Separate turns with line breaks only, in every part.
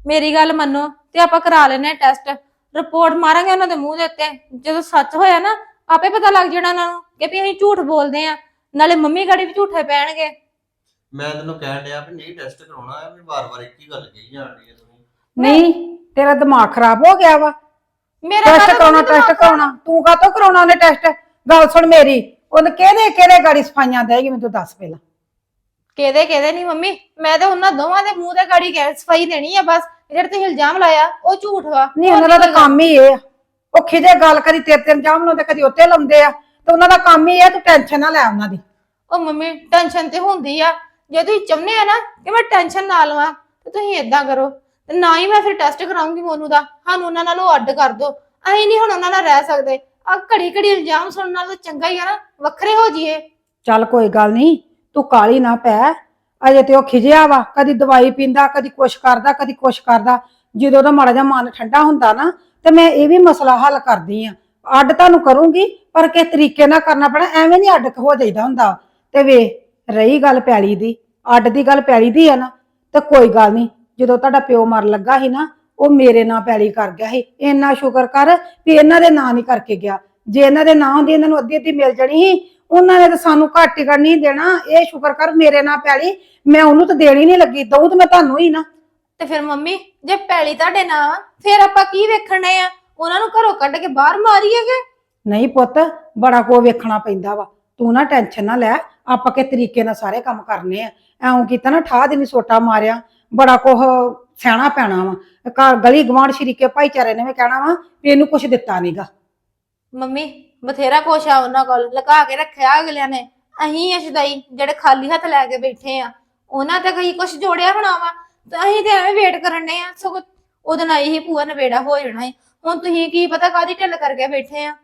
ਮੇਰੀ ਗੱਲ ਮੰਨੋ ਤੇ ਆਪਾਂ ਕਰਾ ਲੈਨੇ ਟੈਸਟ, ਰਿਪੋਰਟ ਮਾਰਾਂਗੇ ਉਹਨਾਂ ਦੇ ਮੂੰਹ ਦੇ ਉੱਤੇ। ਜਦੋਂ ਸੱਚ ਹੋਇਆ ਨਾ ਆਪੇ ਪਤਾ ਲੱਗ ਜਾਣਾ ਉਹਨਾਂ ਨੂੰ ਕਿ ਵੀ ਅਸੀਂ ਝੂਠ ਬੋਲਦੇ ਆ, ਨਾਲੇ ਮੰਮੀ ਗਾੜੀ ਵੀ ਝੂਠੇ ਪੈਣਗੇ।
ਮੈਂ ਤੈਨੂੰ ਕਹਿਣ ਡਿਆ ਵੀ ਨਹੀਂ ਟੈਸਟ ਕਰਾਉਣਾ ਹੈ, ਵੀ ਵਾਰ-ਵਾਰ ਇੱਕ ਹੀ ਗੱਲ ਕਹੀ ਜਾਂਦੀ ਹੈ ਤੁਸੀਂ।
ਨਹੀਂ ਤੇਰਾ ਦਿਮਾਗ ਖਰਾਬ ਹੋ ਗਿਆ ਵਾ।
ਮੇਰਾ
ਟੈਸਟ ਕਰਾਉਣਾ ਤੂੰ ਕਾਹਤੋਂ ਕਰਾਉਣਾ ਉਹਨੇ ਟੈਸਟ? ਗੱਲ ਸੁਣ ਮੇਰੀ, ਉਹਨੇ ਕਿਹਦੇ ਗਾੜੀ ਸਫਾਈਆਂ ਦੇਗੀ ਮੈਨੂੰ ਦੱਸ ਪਹਿਲਾਂ।
ਕਿਹਦੇ ਨਹੀਂ ਮੰਮੀ, ਮੈਂ ਤਾਂ ਉਹਨਾਂ ਦੋਵਾਂ ਦੇ ਮੂੰਹ ਤੇ ਗਾੜੀ ਸਫਾਈ ਦੇਣੀ ਆ ਬਸ। ਜਿਹੜੇ ਤੁਸੀਂ ਇਲਜ਼ਾਮ ਲਾਇਆ ਉਹ ਝੂਠ ਵਾ।
ਨਹੀਂ ਉਹਨਾਂ ਦਾ ਤਾਂ ਕੰਮ ਹੀ ਇਹ ਆ, ਉਹ ਖਿਜੇ ਗੱਲ ਕਦੀ ਤੇਰੇ ਇਲਜ਼ਾਮ ਲਾਉਂਦੇ ਕਦੀ ਉੱਤੇ ਲਾਉਂਦੇ ਆ, ਤੇ ਉਹਨਾਂ ਦਾ ਕੰਮ ਹੀ ਇਹ। ਤੂੰ ਟੈਨਸ਼ਨ ਨਾ ਲੈ ਉਹਨਾਂ ਦੀ।
ਉਹ ਮੰਮੀ ਟੈਨਸ਼ਨ ਤੇ ਹੁੰਦੀ ਆ, ਜੇ ਤੁਸੀਂ ਚਾਹੁੰਦੇ ਆ ਨਾ ਕਿ ਮੈਂ ਟੈਨਸ਼ਨ ਨਾ ਲਵਾਂ ਤੇ ਤੁਸੀਂ ਏਦਾਂ ਕਰੋ, ਤੇ ਨਾ ਹੀ ਮੈਂ ਫਿਰ ਟੈਸਟ ਕਰਾਉਂਗੀ ਮੋਨੂ ਦਾ। ਸਾਨੂੰ ਉਹਨਾਂ ਨਾਲੋਂ ਅੱਡ ਕਰ ਦੋ, ਅਸੀਂ ਨਹੀਂ ਹੁਣ ਉਹਨਾਂ ਨਾਲ ਰਹਿ ਸਕਦੇ। ਆ ਘੜੀ ਇਲਜ਼ਾਮ ਸੁਣਨ ਨਾਲ ਤਾਂ ਚੰਗਾ ਹੀ ਆ ਨਾ ਵੱਖਰੇ ਹੋ ਜਾਈਏ।
ਚੱਲ ਕੋਈ ਗੱਲ ਨਹੀਂ, ਤੂੰ ਕਾਲੀ ਨਾ ਪੈ। ਅਜੇ ਤੇ ਉਹ ਖਿਜਿਆ ਵਾ, ਕਦੀ ਦਵਾਈ ਪੀਂਦਾ, ਕਦੀ ਕੁਛ ਕਰਦਾ, ਕਦੀ ਕੁਛ ਕਰਦਾ। ਜਦੋਂ ਉਹਦਾ ਮਾੜਾ ਜਿਹਾ ਮਨ ਠੰਡਾ ਹੁੰਦਾ ਨਾ ਤੇ ਮੈਂ ਇਹ ਵੀ ਮਸਲਾ ਹੱਲ ਕਰਦੀ ਆ। ਅੱਡ ਤੁਹਾਨੂੰ ਕਰੂੰਗੀ ਪਰ ਕਿਸ ਤਰੀਕੇ ਨਾਲ ਕਰਨਾ ਪੈਣਾ, ਐਵੇਂ ਨਹੀਂ ਅੱਡ ਹੋ ਜਾਈਦਾ ਹੁੰਦਾ। ਤੇ ਵੇ ਰਹੀ ਗੱਲ ਪੈਲੀ ਦੀ, ਅੱਡ ਦੀ ਗੱਲ ਪੈਲੀ ਦੀ ਆ ਨਾ, ਤੇ ਕੋਈ ਗੱਲ ਨਹੀਂ। ਜਦੋਂ ਤੁਹਾਡਾ ਪਿਓ ਮਰ ਲੱਗਾ ਸੀ ਨਾ, ਉਹ ਮੇਰੇ ਨਾਂ ਪੈਲੀ ਕਰ ਗਿਆ ਸੀ। ਇੰਨਾ ਸ਼ੁਕਰ ਕਰ ਵੀ ਇਹਨਾਂ ਦੇ ਨਾਂ ਨਹੀਂ ਕਰਕੇ ਗਿਆ। ਜੇ ਇਹਨਾਂ ਦੇ ਨਾਂ ਹੁੰਦੀ ਇਹਨਾਂ ਨੂੰ ਅੱਧੀ ਅੱਧੀ ਮਿਲ ਜਾਣੀ ਸੀ। ਉਹਨਾਂ ਨੇ ਤਾਂ ਸਾਨੂੰ ਘੱਟ ਟਿਕਣ ਨਹੀਂ ਦੇਣਾ। ਇਹ ਸ਼ੁਕਰ ਕਰ ਮੇਰੇ ਨਾਂ ਪੈਲੀ ਮੈਂ ਉਹਨੂੰ ਤਾਂ ਦੇਣੀ ਨਹੀਂ ਲੱਗੀ, ਦਊ ਤੇ ਮੈਂ ਤੁਹਾਨੂੰ ਹੀ ਨਾ।
ਤੇ ਫਿਰ ਮੰਮੀ ਜੇ ਪੈਲੀ ਤੁਹਾਡੇ ਨਾਂ ਫਿਰ ਆਪਾਂ ਕੀ ਵੇਖਣੇ ਆ? ਉਹਨਾਂ ਨੂੰ ਘਰੋਂ ਕੱਢ ਕੇ ਬਾਹਰ ਮਾਰੀਏਗੇ?
ਨਹੀਂ ਪੁੱਤ, ਬੜਾ ਕੋ ਵੇਖਣਾ ਪੈਂਦਾ ਵਾ। ਤੂੰ ਨਾ ਟੈਨਸ਼ਨ ਨਾ ਲੈ, ਆਪਾਂ ਕੇ ਤਰੀਕੇ ਨਾਲ ਸਾਰੇ ਕੰਮ ਕਰਨੇ ਆ। ਐਉਂ ਕੀਤਾ ਨਾ ਠਾਹ ਦੇ ਨਹੀਂ ਸੋਟਾ ਮਾਰਿਆ, ਬੜਾ ਕੁਝ ਸਹਿਣਾ ਪੈਣਾ ਵਾ। ਘਰ ਗਲੀ ਗਵਾਂਢ ਸ਼ਰੀਕੇ ਭਾਈਚਾਰੇ ਨੇ ਵੀ ਕਹਿਣਾ ਵਾ ਵੀ ਇਹਨੂੰ ਕੁਝ ਦਿੱਤਾ ਨਹੀਂਗਾ।
ਮੰਮੀ ਬਥੇਰਾ ਕੁਛ ਆ ਉਹਨਾਂ ਕੋਲ ਲਗਾ ਕੇ ਰੱਖਿਆ ਅਗਲਿਆਂ ਨੇ। ਅਸੀਂ ਅਸ਼ਦਾਈ ਜਿਹੜੇ ਖਾਲੀ ਹੱਥ ਲੈ ਕੇ ਬੈਠੇ ਆ, ਉਹਨਾਂ ਤੇ ਕਈ ਕੁਛ ਜੋੜਿਆ ਹੋਣਾ ਵਾ, ਤੇ ਅਸੀਂ ਤੇ ਐਵੇਂ ਵੇਟ ਕਰਨੇ ਆ। ਸਗੋਂ ਉਹਦੇ ਨਾਲ ਹੀ ਭੂਆ ਨਵੇੜਾ ਹੋ ਜਾਣਾ ਹੈ। ਹੁਣ ਤੁਸੀਂ ਕੀ ਪਤਾ ਕਾਹਦੀ ਢਿੱਲ ਕਰਕੇ ਬੈਠੇ ਆ।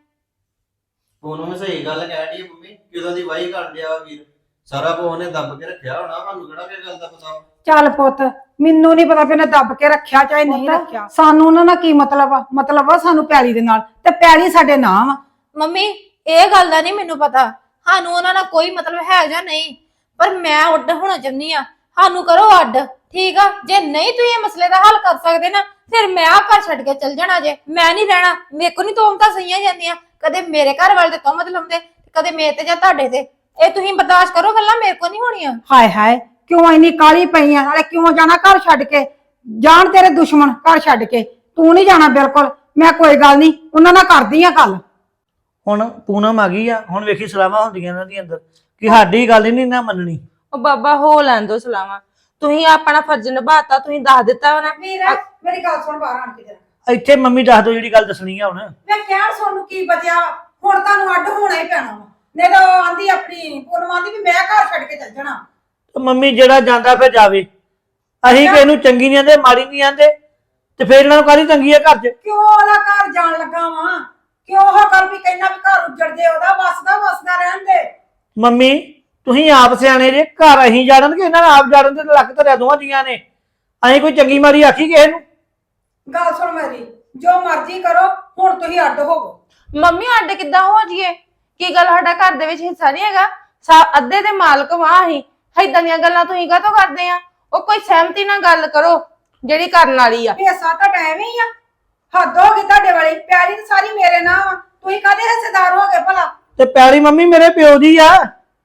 ਉਹਨੂੰ ਮੈਂ ਸਹੀ ਗੱਲ ਕਹਿ ਰਹੀ ਮੰਮੀ, ਕਿਦੋਂ ਦੀ ਵਾਹੀ ਕਰ ਲਿਆ ਵਾ ਵੀਰ। ਸਾਰਾ ਕੁਝ ਉਹਨੇ ਦੱਬ ਕੇ ਰੱਖਿਆ ਹੋਣਾ, ਸਾਨੂੰ ਕਿਹੜਾ ਕਿ ਗੱਲ ਦਾ ਪਤਾ।
ਚੱਲ ਪੁੱਤ, ਮੈਨੂੰ ਨਹੀਂ ਪਤਾ ਵੀ ਉਹਨੇ ਦੱਬ ਕੇ ਰੱਖਿਆ ਚਾਹੇ ਨਹੀਂ ਰੱਖਿਆ। ਸਾਨੂੰ ਉਹਨਾਂ ਨਾਲ ਕੀ ਮਤਲਬ ਆ? ਮਤਲਬ ਆ ਸਾਨੂੰ ਪੈਲੀ ਦੇ ਨਾਲ, ਤੇ ਪੈਲੀ ਸਾਡੇ ਨਾਂ ਵਾ।
ਮੰਮੀ ਇਹ ਗੱਲ ਦਾ ਨਹੀਂ ਮੈਨੂੰ ਪਤਾ, ਸਾਨੂੰ ਉਹਨਾਂ ਨਾਲ ਕੋਈ ਮਤਲਬ ਹੈ ਜਾਂ ਨਹੀਂ, ਪਰ ਮੈਂ ਅੱਡ ਹੋਣਾ ਚਾਹੁੰਦੀ ਆ। ਸਾਨੂੰ ਕਰੋ ਅੱਡ, ਠੀਕ ਆ? ਜੇ ਨਹੀਂ ਤੁਸੀਂ ਇਹ ਮਸਲੇ ਦਾ ਹੱਲ ਕਰ ਸਕਦੇ ਨਾ, ਫਿਰ ਮੈਂ ਆ ਘਰ ਛੱਡ ਕੇ ਚੱਲ ਜਾਣਾ ਜੇ। ਮੈਂ ਨਹੀਂ ਰਹਿਣਾ। ਮੇਰੇ ਕੋ ਨਹੀਂ ਤੋਮਤਾਂ ਸਹੀਆਂ ਜਾਂਦੀਆਂ, ਕਦੇ ਮੇਰੇ ਘਰ ਵਾਲੇ ਤੇ ਤੋਮਤ ਲਾਉਂਦੇ, ਕਦੇ ਮੇਰੇ ਤੇ ਜਾਂ ਤੁਹਾਡੇ ਤੇ। ਇਹ ਤੁਸੀਂ ਬਰਦਾਸ਼ਤ ਕਰੋ, ਗੱਲਾਂ ਮੇਰੇ ਕੋ ਨਹੀਂ ਹੋਣੀਆਂ।
ਹਾਏ ਹਾਏ, ਕਿਉਂ ਇੰਨੀ ਕਾਲੀ ਪਈ ਆ? ਨਾਲੇ ਕਿਉਂ ਜਾਣਾ ਘਰ ਛੱਡ ਕੇ? ਜਾਣ ਤੇਰੇ ਦੁਸ਼ਮਣ ਘਰ ਛੱਡ ਕੇ, ਤੂੰ ਨਹੀਂ ਜਾਣਾ ਬਿਲਕੁਲ। ਮੈਂ ਕੋਈ ਗੱਲ ਨਹੀਂ, ਉਹਨਾਂ ਨਾਲ ਕਰਦੀ ਆ ਗੱਲ।
ਹੁਣ ਪੂਨਮ ਆ ਗਈ ਆ, ਹੁਣ ਵੇਖੀ ਸਲਾਹਾਂ ਹੁੰਦੀਆਂ ਇਹਨਾਂ ਦੀ ਅੰਦਰ ਕਿ ਸਾਡੀ ਗੱਲ ਹੀ ਨਹੀਂ ਨਾ ਮੰਨਣੀ।
ਉਹ ਬਾਬਾ ਹੋ ਲੈਣ ਦੋ ਸਲਾਵਾਂ। ਤੁਸੀਂ ਆਪਣਾ ਫਰਜ਼ ਨਿਭਾਤਾ, ਤੁਸੀਂ ਦੱਸ ਦਿੱਤਾ ਨਾ।
ਵੀਰਾ ਮੇਰੀ ਗੱਲ ਸੁਣ, ਬਾਹਰ ਆਣ ਕੇ ਜਰਾ।
ਇੱਥੇ ਮੰਮੀ ਦੱਸ ਦੋ ਜਿਹੜੀ ਗੱਲ ਦੱਸਣੀ ਆ। ਹੁਣ
ਮੈਂ ਕਹਿਣ ਸੁਣ ਨੂੰ ਕੀ ਬਚਿਆ? ਹੁਣ ਤੁਹਾਨੂੰ ਅੱਡ ਹੋਣਾ ਹੀ ਪੈਣਾ ਵਾ। ਨਹੀਂ ਤਾਂ ਉਹ ਆਂਦੀ ਆਪਣੀ ਪੂਨਮ ਆਂਦੀ ਵੀ ਮੈਂ ਘਰ ਛੱਡ ਕੇ ਚੱਲ ਜਾਣਾ।
ਤੇ ਮੰਮੀ ਜਿਹੜਾ ਜਾਂਦਾ ਫਿਰ ਜਾਵੇ। ਅਸੀਂ ਕਿਸੇ ਨੂੰ ਚੰਗੀ ਨਹੀਂ ਆਂਦੇ, ਮਾੜੀ ਨਹੀਂ ਆਂਦੇ, ਤੇ ਫਿਰ ਇਹਨਾਂ ਨੂੰ ਕਾਹਦੀ ਤੰਗੀ ਆ ਘਰ 'ਚ?
ਕਿਉਂ ਉਹਦਾ ਘਰ ਜਾਣ ਲੱਗਾ ਵਾ? ਕਿਉਂ ਉਹ ਗੱਲ ਵੀ ਕਹਿੰਦਾ ਵੀ ਘਰ ਉੱਜੜ ਜੇ, ਉਹਦਾ ਵਸਦਾ ਰਹਿਣ ਦੇ।
ਮੰਮੀ ਤੁਸੀਂ ਆਪ ਸਿਆਣੇ ਜੇ, ਘਰ ਅਸੀਂ ਜਾੜਨ ਕਿ ਇਹਨਾਂ ਨੇ ਆਪ ਜਾੜਨ ਤੇ ਲੱਕ ਧਰਿਆ ਦੋਵਾਂ ਜੀਆਂ ਨੇ। ਅਸੀਂ ਕੋਈ ਚੰਗੀ ਮਾੜੀ ਆਖੀ ਕਿਸੇ ਨੂੰ?
ਗੱਲ ਸੁਣ ਮੇਰੀ, ਜੋ ਮਰਜ਼ੀ ਕਰੋ, ਹੁਣ ਤੁਸੀਂ ਅੱਡ ਹੋਵੋ।
ਮੰਮੀ ਅੱਡ ਕਿੱਦਾਂ ਹੋ ਜੀਏ? ਕੀ ਗੱਲ ਸਾਡਾ ਘਰ ਦੇ ਵਿੱਚ ਹਿੱਸਾ ਨਹੀਂ ਹੈਗਾ? ਅੱਧੇ ਦੇ ਮਾਲਕ ਵਾਂ ਅਸੀਂ। ਏਦਾਂ ਦੀਆਂ ਗੱਲਾਂ ਤੁਸੀਂ ਕਾਹਤੋਂ ਕਰਦੇ ਆ? ਉਹ ਕੋਈ ਸਹਿਮਤੀ ਨਾਲ ਗੱਲ ਕਰੋ ਜਿਹੜੀ ਕਰਨ ਵਾਲੀ ਆ।
ਹਿੱਸਾ ਤਾਂ ਐਵੇਂ ਹੀ ਆ, ਹੱਦ ਹੋ ਗਈ ਤੁਹਾਡੇ ਵਾਲੀ। ਪਿਆਰੀ ਤਾਂ ਸਾਰੀ ਮੇਰੇ ਨਾਲ ਵਾ, ਤੁਸੀਂ ਕਾਹਦੇ ਹਿੱਸੇਦਾਰ ਹੋ ਗਏ ਭਲਾ?
ਤੇ ਪਿਆਰੀ ਮੰਮੀ ਮੇਰੇ ਪਿਓ ਦੀ ਆ,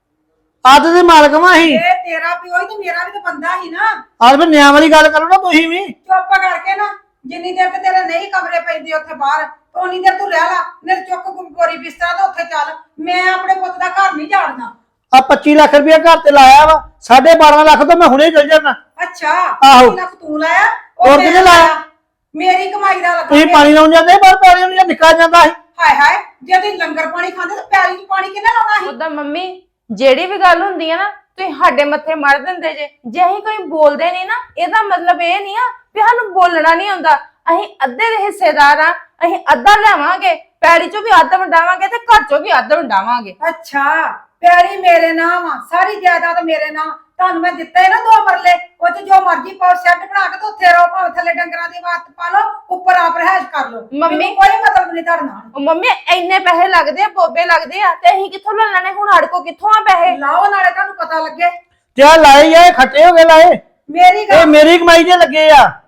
ਅੱਧ ਦੇ ਮਾਲਕ ਵਾਂ ਅਸੀਂ।
ਇਹ ਤੇਰਾ ਪਿਓ ਹੀ ਤੇ ਮੇਰਾ ਵੀ ਤਾਂ ਬੰਦਾ ਹੀ ਨਾ।
ਆਹ ਫਿਰ ਨਿਆਂ ਵਾਲੀ ਗੱਲ ਕਰੋ ਨਾ ਤੁਸੀਂ ਵੀ।
ਚੁੱਪ ਕਰਕੇ ਨਾ, ਜਿੰਨੀ ਦੇਰ ਤੇ ਤੇਰੇ ਨਹੀਂ ਕਮਰੇ ਪੈਂਦੇ ਉੱਥੇ ਬਾਹਰ, ਉਨੀ ਦੇਰ ਤੂੰ ਰਹਿ ਲਾ। ਨਹੀਂ ਚੁੱਕ ਬੋਰੀ ਬਿਸਤਰਾ ਤੇ ਉੱਥੇ ਚੱਲ। ਮੈਂ ਆਪਣੇ ਪੁੱਤ ਦਾ ਘਰ ਨਹੀਂ ਜਾੜਨਾ।
ਆ 25 ਲੱਖ ਰੁਪਇਆ ਘਰ ਤੇ ਲਾਇਆ ਵਾ, 12.5 ਲੱਖ ਤੋਂ ਮੈਂ ਹੁਣੇ ਚੱਲ ਜਾਣਾ।
ਅੱਛਾ,
ਆਹੋ।
25 ਲੱਖ ਤੂੰ ਲਾਇਆ,
ਹੋਰ
ਮੈਂ
ਕਿਹਨੇ ਲਾਇਆ?
ਮੇਰੀ ਕਮਾਈ ਦਾ ਲੱਗਾ।
ਤੁਸੀਂ ਪਾਣੀ ਲਾਉਣ ਜਾਂਦੇ, ਬਾਹਰ ਪਾਣੀ ਨੂੰ ਨਿਕਲ ਜਾਂਦਾ ਸੀ।
ਹਾਏ ਹਾਏ, ਜੇ ਤੁਸੀਂ ਲੰਗਰ ਪਾਣੀ ਖਾਂਦੇ ਤਾਂ ਪਿਆਲੀ ਚ ਪਾਣੀ ਕਿਹਨੇ ਲਾਉਣਾ ਸੀ?
ਉਦਾਂ ਮੰਮੀ ਜਿਹੜੀ ਵੀ ਗੱਲ ਹੁੰਦੀ ਆ ਨਾ, ਤੁਸੀਂ ਸਾਡੇ ਮੱਥੇ ਮਾਰ ਦਿੰਦੇ ਜੇ। ਜੇ ਅਸੀਂ ਕੋਈ ਬੋਲਦੇ ਨਹੀਂ ਨਾ, ਇਹਦਾ ਮਤਲਬ ਇਹ ਨਹੀਂ ਆ ਵੀ ਸਾਨੂੰ ਬੋਲਣਾ ਨਹੀਂ ਆਉਂਦਾ। ਅਸੀਂ ਅੱਧੇ ਦੇ ਹਿੱਸੇਦਾਰ ਆ, ਅਸੀਂ ਅੱਧਾ ਲਿਆਵਾਂਗੇ, ਪੈੜੀ ਚੋਂ ਵੀ ਅੱਧ ਵੰਡਾਵਾਂਗੇ ਤੇ ਘਰ ਚੋਂ ਵੀ ਅੱਧ ਵੰਡਾਵਾਂਗੇ।
ਅੱਛਾ, ਪਿਆਰੀ ਮੇਰੇ ਨਾਮ ਆ, ਸਾਰੀ ਜਾਇਦਾਦ ਮੇਰੇ ਨਾਮ। ਤੁਹਾਨੂੰ ਮੈਂ ਦਿੱਤਾ ਹੈ ਨਾ 2 ਮਰਲੇ, ਉਹ ਚ ਜੋ ਮਰਜ਼ੀ ਪਾਓ, ਸ਼ੈੱਡ ਬਣਾ ਕੇ ਤੇ ਉੱਥੇ ਰਹੋ, ਭਾਵੇਂ ਥੱਲੇ ਡੰਗਰਾਂ ਦੀ ਵਾਤ ਪਾ ਲਓ, ਉੱਪਰ ਆਪ ਰਹਿਸ਼ ਕਰ ਲਓ।
ਮੰਮੀ
ਕੋਈ ਮਤਲਬ ਨਹੀਂ ਤੁਹਾਡੇ ਨਾਲ।
ਉਹ ਮੰਮੀ ਇੰਨੇ ਪੈਸੇ ਲੱਗਦੇ ਆ, ਬੋਬੇ ਲੱਗਦੇ ਆ, ਤੇ ਅਸੀਂ ਕਿੱਥੋਂ ਲੈ ਲੈਣੇ? ਹੁਣ ਸਾਡੇ ਕੋਲ ਕਿੱਥੋਂ ਆ ਪੈਸੇ?
ਲਾਓ ਨਾਲੇ ਤੁਹਾਨੂੰ ਪਤਾ ਲੱਗੇ।
ਤੇ ਆ ਲਾਏ ਆ, ਖੱਟੇ ਹੋ ਗਏ ਲਾਏ।
ਮੇਰੀ
ਇਹ
ਗੱਲ
ਮੇਰੀ ਕਮਾਈ ਦੇ ਲੱਗੇ ਆ।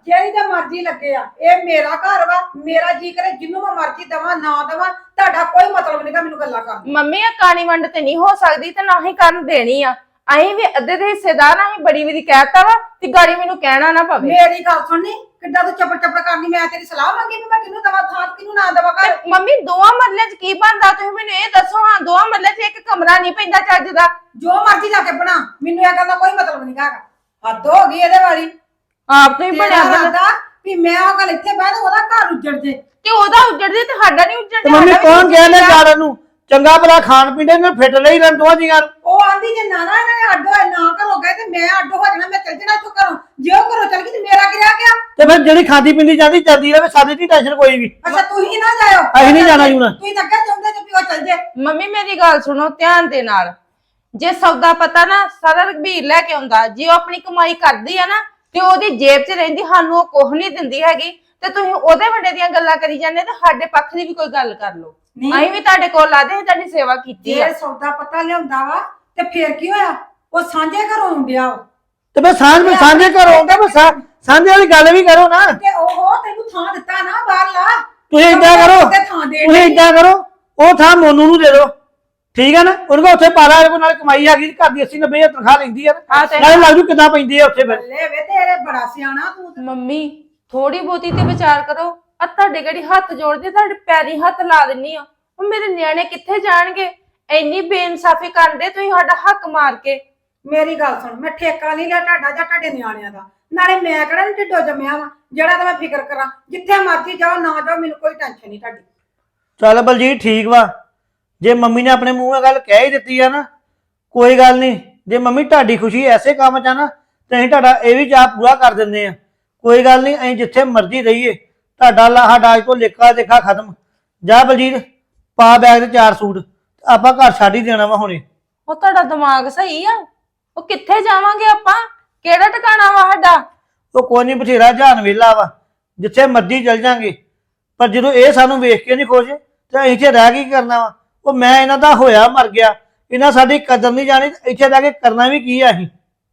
ਜਿਹੜੀ ਤੇ ਮਰਜ਼ੀ ਲੱਗੇ ਆ, ਇਹ ਮੇਰਾ ਘਰ ਵਾ, ਮੇਰਾ ਜੀ ਕਰੇ ਜਿੰਨੂੰ ਮੈਂ ਮਰਜ਼ੀ ਦਵਾਂ ਨਾ ਦਵਾਂ, ਤੁਹਾਡਾ ਕੋਈ ਮਤਲਬ ਨਹੀਂਗਾ ਮੈਨੂੰ ਗੱਲਾਂ ਕਰਨ ਦਾ।
ਮੰਮੀ ਇਹ ਕਾਣੀ ਵੰਡ ਤੇ ਨਹੀਂ ਹੋ ਸਕਦੀ ਤੇ ਨਾ ਹੀ ਕਰਨ ਦੇਣੀ ਆ। ਅਸੀਂ ਵੀ ਅੱਧੇ ਦੇ ਹਿੱਸੇਦਾਰ ਆ, ਅਸੀਂ ਬੜੀ ਵਾਰੀ ਕਹਿਤਾ ਵਾ ਤੇ ਗਾੜੀ ਮੈਨੂੰ ਕਹਿਣਾ ਨਾ ਪਵੇ।
ਮੇਰੀ ਗੱਲ ਸੁਣਨੀ, ਕਿੱਦਾਂ ਤੂੰ ਚੱਪੜ ਚੱਪੜ ਕਰਨੀ, ਮੈਂ ਤੇਰੀ ਸਲਾਹ ਮੰਗੀ ਵੀ ਮੈਂ ਕਿਹਨੂੰ ਦਵਾਂ ਥਾਂ ਕਿਹਨੂੰ ਨਾ ਦਵਾਂ ਘਰ।
ਤੇ ਮੰਮੀ ਦੋਵਾਂ ਮਰਲੇ 'ਚ ਕੀ ਬਣਦਾ ਤੁਸੀਂ ਮੈਨੂੰ ਇਹ ਦੱਸੋ। ਹਾਂ ਦੋਵਾਂ ਮਰਲੇ 'ਚ ਇੱਕ ਕਮਰਾ ਨਹੀਂ ਪੈਂਦਾ ਚੱਜ ਦਾ।
ਜੋ ਮਰਜ਼ੀ ਲਾ ਕੇ ਬਣਾ, ਮੈਨੂੰ ਇਹ ਗੱਲ ਦਾ ਕੋਈ ਮਤਲਬ ਨਹੀਂ ਹੈਗਾ। ਹੱਦ ਹੋ ਗਈ ਇਹਦੇ ਵਾਲੀ।
ਆਪ ਤੋਂ ਹੀ ਬਣਿਆ
ਤੇਰਾ ਇਰਾਦਾ ਵੀ ਮੈਂ ਉਹ ਗੱਲ ਇੱਥੇ ਬਹਿ ਤੇ ਉਹਦਾ ਘਰ ਉੱਜੜ ਜੇ।
ਤੇ ਉਹਦਾ ਉੱਜੜਦੇ ਤੇ ਸਾਡਾ ਨਹੀਂ
ਤੇ
ਉੱਜੜਦਾ।
ਮੰਮੀ ਕੌਣ ਗਿਆ ਨੇ ਜਾੜਨ ਨੂੰ? ਚੰਗਾ ਭਲਾ ਖਾਣ ਪੀਣ ਨੇ ਫਿੱਟ ਲਈ ਰਹਿਣ ਦੋਵਾਂ ਜੀਆਂ ਨੂੰ।
ਉਹ ਆਂਦੀ ਜੇ ਨਾ ਇਹਨਾਂ ਨੇ ਅੱਡ ਹੋਏ ਨਾ ਘਰੋਂ ਗਏ ਤੇ ਮੈਂ ਅੱਡ ਹੋ ਜਾਣਾ, ਮੈਂ ਚੱਲ ਜਾਣਾ ਇੱਥੋਂ ਘਰੋਂ। ਜੇ ਉਹ ਘਰੋਂ ਚੱਲ ਗਈ ਤੇ ਮੇਰਾ ਕੀ ਰਹਿ ਗਿਆ?
ਤੇ ਫਿਰ ਜਿਹੜੀ ਖਾਂਦੀ ਪੀਂਦੀ ਜਾਂਦੀ ਚੱਲਦੀ ਰਹੇ, ਸਾਡੀ ਨਹੀਂ ਟੈਨਸ਼ਨ ਕੋਈ ਵੀ।
ਅੱਛਾ ਤੁਸੀਂ ਨਾ ਜਾਇਓ,
ਅਸੀਂ ਨਹੀਂ ਜਾਣਾ ਜੂਣਾ।
ਤੁਸੀਂ ਤਾਂ ਅੱਗੇ ਚਾਹੁੰਦੇ ਜੇ ਵੀ ਉਹ ਚੱਲ ਜੇ।
ਮੰਮੀ ਮੇਰੀ ਗੱਲ ਸੁਣੋ ਧਿਆਨ ਦੇ ਨਾਲ। ਜੇ ਸੌਦਾ ਪਤਾ ਨਾ ਸਾਰਾ ਰਘਬੀਰ ਲੈ ਕੇ ਆਉਂਦਾ, ਜੇ ਉਹ ਆਪਣੀ ਕਮਾਈ ਕਰਦੀ ਆ ਨਾ ਤੇ ਉਹਦੀ ਜੇਬ 'ਚ ਰਹਿੰਦੀ, ਸਾਨੂੰ ਉਹ ਕੁਝ ਨਹੀਂ ਦਿੰਦੀ ਹੈਗੀ, ਤੇ ਤੁਸੀਂ ਉਹਦੇ ਵੱਡੇ ਦੀਆਂ ਗੱਲਾਂ ਕਰੀ ਜਾਂਦੇ ਤੇ ਸਾਡੇ ਪੱਖ ਦੀ ਵੀ ਕੋਈ ਗੱਲ ਕਰ ਲਓ। ਅਸੀਂ ਵੀ ਤੁਹਾਡੇ ਕੋਲ ਆਦੇ ਹਾਂ, ਤੁਹਾਡੀ ਸੇਵਾ ਕੀਤੀ ਆ।
ਜੇ ਸੌਦਾ ਪਤਾ ਲਿਆਉਂਦਾ ਵਾ ਤੇ ਫੇਰ ਕੀ ਹੋਇਆ? ਉਹ ਸਾਂਝੇ ਘਰੋਂ ਆਉਂਦਿਆ ਵਾ
ਤੇ ਮੈਂ ਸਾਂਝੇ ਘਰੋਂ ਆਉਂਦਾ, ਮੈਂ ਸਾਂਝੇ ਵਾਲੀ ਗੱਲ ਵੀ ਕਰੋ ਨਾ।
ਤੇ ਉਹ ਤੈਨੂੰ ਥਾਂ ਦਿੱਤਾ ਨਾ ਬਾਹਰਲਾ।
ਤੁਸੀਂ ਏਦਾਂ ਕਰੋ,
ਤੇ ਥਾਂ ਦੇ
ਤੁਸੀਂ ਏਦਾਂ ਕਰੋ, ਉਹ ਥਾਂ ਮੋਨੂ ਨੂੰ ਦੇ ਦਿਓ, ਠੀਕ ਹੈ ਨਾ? ਉਹਨੂੰ ਕਹੋ ਉੱਥੇ ਪਾ ਲਾ, ਇਹਦੇ ਨਾਲ ਕਮਾਈ ਹੈਗੀ, ਘਰ ਦੀ 80-90 ਹਜ਼ਾਰ ਤਨਖਾਹ ਲੈਂਦੀ ਆ, ਨਾਲੇ ਲੱਗ ਜੂ ਕਿੱਦਾਂ ਪੈਂਦੀ ਆ ਉੱਥੇ ਫਿਰ।
ਬੱਲੇ ਵੇ ਤੇਰੇ ਬੜਾ ਸਿਆਣਾ ਤੂੰ ਤੇ।
ਮੰਮੀ ਥੋੜੀ ਬਹੁਤੀ ਤੇ ਵਿਚਾਰ ਕਰੋ। ਆ ਤੁਹਾਡੇ ਕਿਹੜੀ ਹੱਥ ਜੋੜਦੇ, ਤੁਹਾਡੇ ਪੈਰੀ ਹੱਥ ਲਾ ਦਿੰਨੀ ਆ। ਉਹ ਮੇਰੇ ਨਿਆਣੇ ਕਿੱਥੇ ਜਾਣਗੇ? ਇੰਨੀ ਬੇਇਨਸਾਫੀ ਕਰਦੇ ਤੁਸੀਂ ਸਾਡਾ ਹੱਕ ਮਾਰ ਕੇ।
ਮੇਰੀ ਗੱਲ ਸੁਣ, ਮੈਂ ਠੇਕਾ ਨਹੀਂ ਲਿਆ ਤੁਹਾਡਾ ਜਾਂ ਤੁਹਾਡੇ ਨਿਆਣਿਆਂ ਦਾ। ਨਾਲੇ ਮੈਂ ਕਿਹੜਾ ਨੀ ਢਿੱਡੋਂ ਜੰਮਿਆ ਵਾ ਜਿਹੜਾ ਤਾਂ ਮੈਂ ਫਿਕਰ ਕਰਾਂ। ਜਿੱਥੇ ਮਰਜ਼ੀ ਜਾਓ ਨਾ ਜਾਓ, ਮੈਨੂੰ ਕੋਈ ਟੈਨਸ਼ਨ ਨਹੀਂ ਤੁਹਾਡੀ।
ਚੱਲ ਬਲਜੀਤ ਠੀਕ ਵਾ, ਜੇ ਮੰਮੀ ਨੇ ਆਪਣੇ ਮੂੰਹ ਨਾਲ ਗੱਲ ਕਹਿ ਹੀ ਦਿੱਤੀ ਆ ਨਾ, ਕੋਈ ਗੱਲ ਨਹੀਂ। ਜੇ ਮੰਮੀ ਤੁਹਾਡੀ ਖੁਸ਼ੀ ਐਸੇ ਕੰਮ 'ਚ ਆ ਨਾ, ਤੇ ਅਸੀਂ ਤੁਹਾਡਾ ਇਹ ਵੀ ਚਾਅ ਪੂਰਾ ਕਰ ਦਿੰਦੇ ਆ। ਕੋਈ ਗੱਲ ਨਹੀਂ, ਅਸੀਂ ਜਿੱਥੇ ਮਰਜ਼ੀ ਰਹੀਏ, ਤੁਹਾਡਾ ਸਾਡਾ ਅੱਜ ਤੋਂ ਲੇਖਾ ਦੇਖਾ ਖਤਮ। ਜਾ ਬਲਜੀਤ ਪਾ ਬੈਗ ਤੇ 4 ਸੂਟ, ਆਪਾਂ ਘਰ ਛੱਡ ਹੀ ਦੇਣਾ ਵਾ ਹੁਣੇ।
ਉਹ ਤੁਹਾਡਾ ਦਿਮਾਗ ਸਹੀ ਆ? ਉਹ ਕਿੱਥੇ ਜਾਵਾਂਗੇ ਆਪਾਂ? ਕਿਹੜਾ ਟਿਕਾਣਾ ਵਾ ਸਾਡਾ?
ਉਹ ਕੋਈ ਨਹੀਂ, ਬਥੇਰਾ ਜਾਨ ਵੇਲਾ ਵਾ, ਜਿੱਥੇ ਮਰਜ਼ੀ ਚਲ ਜਾਂਗੇ। ਪਰ ਜਦੋਂ ਇਹ ਸਾਨੂੰ ਵੇਖ ਕੇ ਨਹੀਂ ਖੁਸ਼ ਤੇ ਅਸੀਂ ਇੱਥੇ ਰਹਿ ਕੇ ਕੀ ਕਰਨਾ ਵਾ? ਉਹ ਮੈਂ ਇਹਨਾਂ ਦਾ ਹੋਇਆ ਮਰ ਗਿਆ, ਇਹਨਾਂ ਸਾਡੀ ਕਦਰ ਨਹੀਂ ਜਾਣੀ, ਇੱਥੇ ਰਹਿ ਕੇ ਕਰਨਾ ਵੀ ਕੀ ਆ ਅਸੀਂ?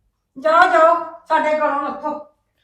ਜਾਓ ਜਾਓ, ਸਾਡੇ ਘਰੋਂ ਲੱਥੋ।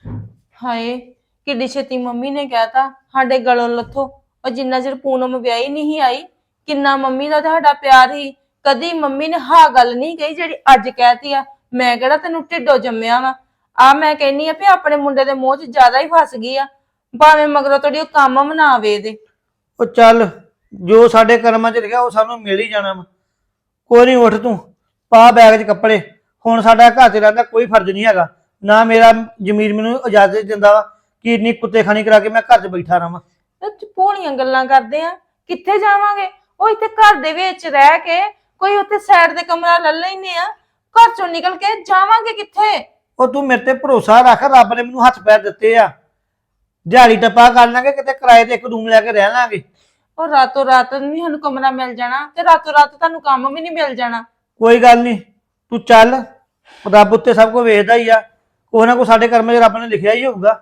ਹਾਏ ਕਿੱਡੀ ਛੇਤੀ ਮੰਮੀ ਨੇ ਕਹਿਤਾ ਸਾਡੇ ਗਲੋਂ ਲੱਥੋ। ਉਹ ਜਿੰਨਾ ਚਿਰ ਪੂਨਮ ਵਿਆਹੀ ਨਹੀਂ ਆਈ, ਕਿੰਨਾ ਮੰਮੀ ਦਾ ਤੁਹਾਡਾ ਪਿਆਰ ਸੀ। ਕਦੀ ਮੰਮੀ ਨੇ ਹਾਂ ਗੱਲ ਨਹੀਂ ਕਹੀ ਜਿਹੜੀ ਅੱਜ ਕਹਿਤੀ ਆ। ਮੈਂ ਕਿਹੜਾ ਤੈਨੂੰ ਢਿੱਡੋਂ ਜੰਮਿਆ ਵਾ? ਆ ਮੈਂ ਕਹਿੰਨੀ ਆ ਵੀ ਆਪਣੇ ਮੁੰਡੇ ਦੇ ਮੂੰਹ 'ਚ ਜ਼ਿਆਦਾ ਹੀ ਫਸ ਗਈ ਆ, ਭਾਵੇਂ ਮਗਰੋਂ ਤੁਹਾਡੀ ਉਹ ਕੰਮ ਮਨਾਵੇ ਦੇ।
ਉਹ ਚੱਲ ਜੋ ਸਾਡੇ ਕਰਮਾਂ 'ਚ ਲਿਖਿਆ ਉਹ ਸਾਨੂੰ ਮਿਲ ਹੀ ਜਾਣਾ ਵਾ। ਕੋਈ ਨਹੀਂ, ਉੱਠ ਤੂੰ ਪਾ ਬੈਗ 'ਚ ਕੱਪੜੇ। ਹੁਣ ਸਾਡਾ ਘਰ 'ਚ ਰਹਿਣ ਦਾ ਕੋਈ ਫਰਜ਼ ਨਹੀਂ ਹੈਗਾ, ਨਾ ਮੇਰਾ ਜ਼ਮੀਰ ਮੈਨੂੰ ਇਜਾਜ਼ਤ ਦਿੰਦਾ ਵਾ ਕਿ ਇੰਨੀ ਕੁੱਤੇ ਖਾਣੀ ਕਰਾ ਕੇ ਮੈਂ ਘਰ 'ਚ ਬੈਠਾ ਰਹਾਂ।
ਭੋਲੀਆਂ ਗੱਲਾਂ ਕਰਦੇ ਆ। ਕਿੱਥੇ ਜਾਵਾਂਗੇ? ਉਹ ਇੱਥੇ ਘਰ ਦੇ ਵਿੱਚ ਰਹਿ ਕੇ ਕੋਈ ਉੱਥੇ ਸਾਈਡ ਦੇ ਕਮਰਾ ਲੈ ਲੈਨੇ ਆ, ਘਰ ਚੋਂ ਨਿਕਲ ਕੇ ਜਾਵਾਂਗੇ ਕਿੱਥੇ?
ਉਹ ਤੂੰ ਮੇਰੇ ਤੇ ਭਰੋਸਾ ਰੱਖ, ਰੱਬ ਨੇ ਮੈਨੂੰ ਹੱਥ ਪੈਰ ਦਿੱਤੇ ਆ, ਦਿਹਾੜੀ ਟੱਪਾ ਕਰ ਲਾਂਗੇ, ਕਿਤੇ ਕਿਰਾਏ ਤੇ ਇੱਕ ਰੂਮ ਲੈ ਕੇ ਰਹਿ ਲਾਂਗੇ।
ਉਹ ਰਾਤੋਂ ਰਾਤ ਨਹੀਂ ਸਾਨੂੰ ਕਮਰਾ ਮਿਲ ਜਾਣਾ ਤੇ ਰਾਤੋਂ ਰਾਤ ਤੁਹਾਨੂੰ ਕੰਮ ਵੀ ਨਹੀਂ ਮਿਲ ਜਾਣਾ।
ਕੋਈ ਗੱਲ ਨਹੀਂ, ਤੂੰ ਚੱਲ, ਰੱਬ ਉੱਤੇ ਸਭ ਕੁਝ ਵੇਖਦਾ ਹੀ ਆ, ਕੋਈ ਨਾ ਕੋਈ ਸਾਡੇ ਕਰਮਾਂ 'ਚ ਰੱਬ ਨੇ ਲਿਖਿਆ ਹੀ ਹੋਊਗਾ।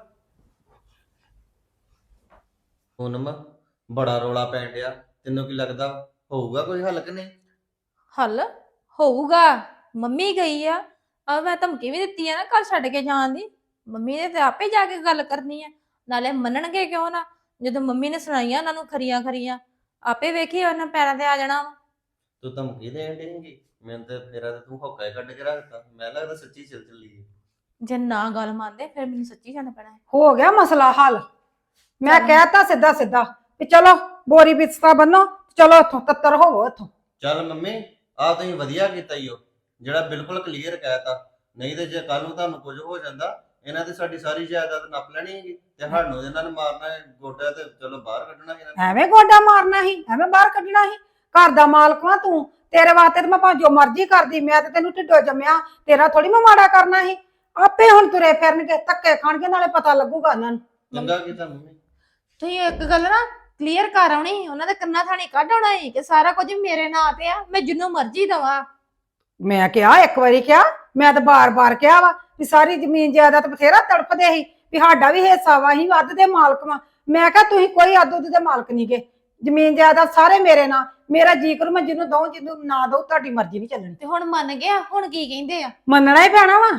ਪੂਨਮ ਬੜਾ ਰੋਲਾ ਪੈਣ ਡਿਆ, ਤੈਨੂੰ ਕੀ ਲੱਗਦਾ ਹੋਊਗਾ ਕੋਈ ਹੱਲ ਕਿ ਨਹੀਂ?
ਹੱਲ ਹੋਊਗਾ। ਮੰਮੀ ਗਈ ਆ, ਮੈਂ ਧਮਕੀ ਵੀ ਦਿੱਤੀ ਆ ਨਾ ਘਰ ਛੱਡ ਕੇ ਜਾਣ ਦੀ। ਮੰਮੀ ਨੇ ਤੇ ਆਪੇ ਜਾ ਕੇ ਗੱਲ ਕਰਨੀ ਆ, ਨਾਲੇ ਮੰਨਣਗੇ ਕਿਉਂ ਨਾ? ਜਦੋਂ ਮੰਮੀ ਨੇ ਸੁਣਾਈਆਂ ਉਹਨਾਂ ਨੂੰ ਖਰੀਆਂ ਖਰੀਆਂ, ਆਪੇ ਵੇਖੀ ਉਹਨਾਂ ਪੈਰਾਂ ਤੇ ਆ ਜਾਣਾ ਵਾ।
ਤੂੰ ਧਮਕੀ ਦੇਣ ਡੇਂਗੀ ਮੈਨੂੰ ਤੇ? ਫੇਰਾ ਤੇ ਤੂੰ ਹੋਕਾ ਹੀ ਕੱਢ ਕੇ ਰੱਖਤਾ, ਮੈਂ ਲੱਗਦਾ ਸੱਚੀ ਚੱਲੀ ਹੈ।
ਜੇ ਨਾ ਗੱਲ ਮੰਨਦੇ ਫਿਰ ਮੈਨੂੰ ਸੱਚੀ ਜਾਣਾ ਪੈਣਾ ਹੈ।
ਹੋ ਗਿਆ ਮਸਲਾ ਹੱਲ। ਮੈਂ ਕਹਿਤਾ ਸਿੱਧਾ ਸਿੱਧਾ ਵੀ ਚਲੋ ਬੋਰੀ ਬਿਸਤਰਾ ਬੰਨੋ, ਚਲੋ ਇੱਥੋਂ ਤੱਤਰ ਹੋਵੋ ਇੱਥੋਂ।
ਚੱਲ ਮੰਮੀ ਆ ਤੁਸੀਂ ਵਧੀਆ ਕੀਤਾ ਈ ਓ, ਜਿਹੜਾ ਬਿਲਕੁਲ ਕਲੀਅਰ ਕਹਿਤਾ। ਨਹੀਂ ਤੇ ਜੇ ਕੱਲ ਨੂੰ ਤੁਹਾਨੂੰ ਕੁਝ ਹੋ ਜਾਂਦਾ, ਇਹਨਾਂ ਤੇ ਸਾਡੀ ਸਾਰੀ ਜਾਇਦਾਦ ਨੱਪ ਲੈਣੀ ਹੈਗੀ ਤੇ ਸਾਨੂੰ ਇਹਨਾਂ ਨੂੰ ਮਾਰਨਾ ਗੋਡਾ ਤੇ ਚਲੋ ਬਾਹਰ ਕੱਢਣਾ ਇਹਨਾਂ ਨੇ।
ਐਵੇਂ ਗੋਡਾ ਮਾਰਨਾ ਸੀ, ਐਵੇਂ ਬਾਹਰ ਕੱਢਣਾ ਸੀ? ਘਰ ਦਾ ਮਾਲਕ ਵਾਂ ਤੂੰ, ਤੇਰੇ ਵਾਸਤੇ ਤੇ ਮੈਂ ਭਾਵੇਂ ਜੋ ਮਰਜ਼ੀ ਕਰਦੀ, ਮੈਂ ਤੇ ਤੈਨੂੰ ਢਿੱਡੋਂ ਜੰਮਿਆ, ਤੇਰਾ ਥੋੜੀ ਮੈਂ ਮਾੜਾ ਕਰਨਾ ਸੀ। ਆਪੇ ਹੁਣ ਤੁਰੇ ਫਿਰਨਗੇ, ਧੱਕੇ ਖਾਣਗੇ, ਨਾਲੇ ਪਤਾ ਲੱਗੂਗਾ ਉਹਨਾਂ ਨੂੰ।
ਚੰਗਾ ਕੀਤਾ ਮੰਮੀ।
ਤੁਸੀਂ ਇੱਕ ਗੱਲ ਨਾ ਕਲੀਅਰ ਕਰ ਆਉਣੀ, ਉਹਨਾਂ ਦੇ ਕੰਨਾਂ ਥਾਣੀ ਕੱਢ ਆਉਣਾ ਸੀ ਕਿ ਸਾਰਾ ਕੁਝ ਮੇਰੇ ਨਾਂ ਤੇ ਆ, ਮੈਂ ਜਿੰਨੂੰ ਮਰਜ਼ੀ ਦਵਾਂ।
ਮੈਂ ਕਿਹਾ ਇੱਕ ਵਾਰੀ ਕਿਹਾ, ਮੈਂ ਤਾਂ ਬਾਰ-ਬਾਰ ਕਿਹਾ ਵਾ ਵੀ ਸਾਰੀ ਜ਼ਮੀਨ ਜਾਇਦਾਦ ਬਥੇਰਾ ਤੜਫਦੇ ਸੀ ਵੀ ਸਾਡਾ ਵੀ ਹਿੱਸਾ ਵਾ, ਅਸੀਂ ਵੱਧ ਦੇ ਮਾਲਕ ਵਾਂ। ਮੈਂ ਕਿਹਾ ਤੁਸੀਂ ਕੋਈ ਅੱਧ ਉੱਧ ਦੇ ਮਾਲਕ ਨਹੀਂ ਗੇ, ਜ਼ਮੀਨ ਜਾਇਦਾਦ ਸਾਰੇ ਮੇਰੇ ਨਾਲ, ਮੇਰਾ ਜੀ ਕਰੂ ਮੈਂ ਜਿਹਨੂੰ ਦਊਂ, ਜਿਹਨੂੰ ਨਾ ਦਊਂ, ਤੁਹਾਡੀ ਮਰਜ਼ੀ ਨਹੀਂ ਚੱਲਣੀ।
ਤੇ ਹੁਣ ਮੰਨ ਗਿਆ, ਹੁਣ ਕੀ ਕਹਿੰਦੇ ਆ?
ਮੰਨਣਾ ਹੀ ਪੈਣਾ ਵਾ,